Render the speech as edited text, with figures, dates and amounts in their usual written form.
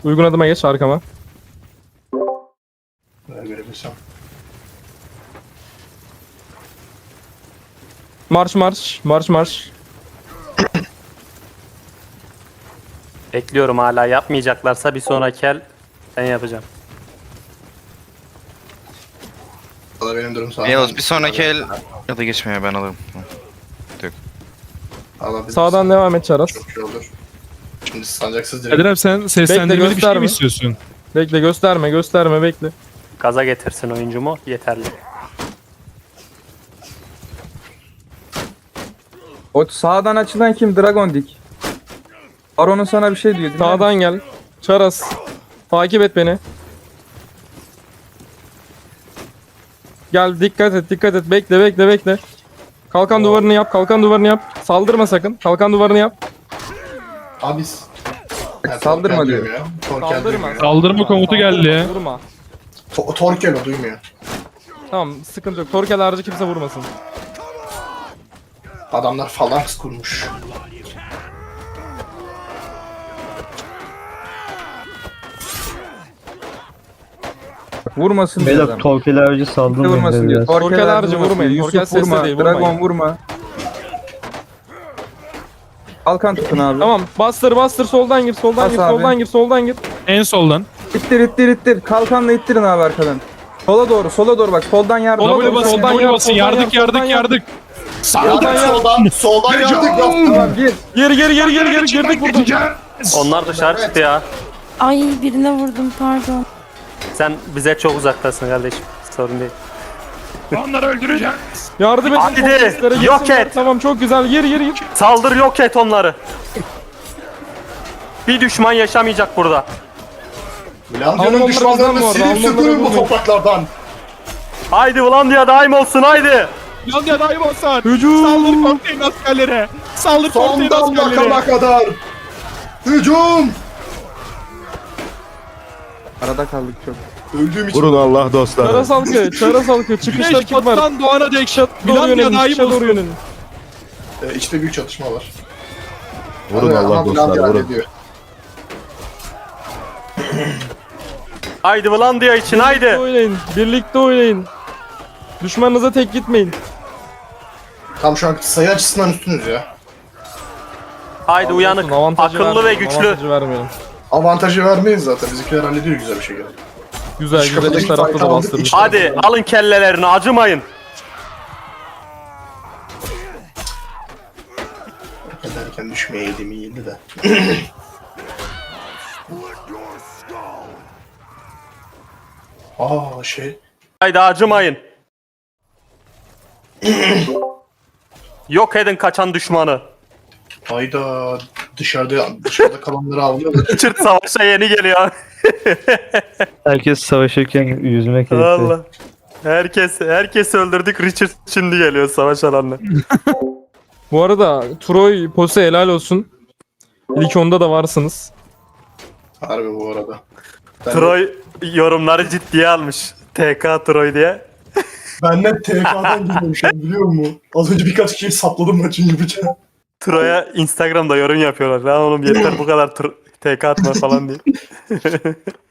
Uygun adıma geç arkama. Görebilsem. Marş marş. Marş marş. Bekliyorum hala, yapmayacaklarsa bir sonraki el ben yapacağım. Valla benim durum sağ. Yalnız bir sonraki el ya da geçmeye ben alırım. Sağdan devam et Çaras. Çok iyi olur. Şimdi sancaksız direkt. Kadir abi sen seslendirmeli bir şey gösterme. mi istiyorsun? Bekle gösterme bekle. Gaza getirsin oyuncumu yeterli. O sağdan açılan kim? Dragon Dik. Baron'un sana bir şey diyor. dinler misin? Sağdan gel. Çaras. Takip et beni. Gel dikkat et. Bekle. Kalkan duvarını yap. Saldırma sakın. Kalkan duvarını yap. Abi Saldırma diyor. Saldırma. Saldırma komutu geldi ya. Vurma. Torkel o duymuyor. Tamam sıkıntı yok. Torkel harici kimse vurmasın. Adamlar falanks kurmuş. Vurmasın diyor Beyler adam. Torkel avcı Kimse saldırmayın vurmasın diyor. biraz. Torkel harici vurmayın. Yusuf Torkel sesle vurma. değil, Dragon vurmayın. vurma. Kalkan tutun abi. Tamam bastır soldan gir Bas abi. soldan gir. En soldan. İttir. Kalkanla ittirin abi arkadan. Sola doğru bak. Soldan yardım. Sola W doğru, basın, soldan W yap, basın. soldan Yardık, yap, soldan yardık. Soldan yardık yaptım. Tamam gir. Girdik burada. Onlar dışarı çıktı ya. Ay birine vurdum pardon. Sen bize çok uzaktasın kardeşim. Sorun değil. Onları öldüreceğim. Yardım edin. Hadi, polislere yok gitsinler. et. Tamam çok güzel gir. Saldır, yok et onları. Bir düşman yaşamayacak burada. Blandya'nın Almanları düşmanlarını kazanma orada, silip Almanları süpürün bu bulmayın. topraklardan. Haydi Vlandia daim olsun haydi. Yalnız daim olsun. Hücum. Saldır komutanın askerlere. Saldır komutanın Sondan askerlere. bakana kadar. Hücum. Arada kaldık çok. Öldüğüm için. Vurun Allah dostlar. Çaras halkı. Çıkışta Güneş kim var? batıdan doğana dek Doğru Finlandiya yönelin. daim Çıkışa doğru olsun. yönelin. İçte büyük çatışma var. Vurun Allah Ama dostlar. Blandia Vurun. hallediyor. Haydi Vlandia için haydi. Birlikte oynayın. Düşmanınıza tek gitmeyin. Tam şu an sayı açısından üstünüz ya. Haydi uyanık, Avantajı akıllı ve vermeyelim, güçlü. Avantajı vermeyelim. Avantajı vermeyiz zaten. Bizimkiler hallediyor güzel bir şekilde. Güzel Şu kapıdaki iç tarafta fight'ı da aldık, bastırmış. iç- Hadi alın kellelerini, acımayın. Ederken düşmeyeydim iyiydi de. Şey. Haydi acımayın. Yok edin kaçan düşmanı. Hayda dışarıda kalanları avlıyorlar. Richard savaşa yeni geliyor. Herkes savaşırken yüzmek keyifli. Allah. Herkes öldürdük, Richard şimdi geliyor savaş alanına. Bu arada Troy Pose helal olsun. İlk onda da varsınız. Harbi bu arada. Ben Troy yorumları ciddiye almış. TK Troy diye. Ben net TK'dan geliyorum şu an biliyor musun? Az önce birkaç kişiyi sapladım maçın yapacağım. Troy'a Instagram'da yorum yapıyorlar. Lan oğlum yeter bu kadar TK atma falan diye.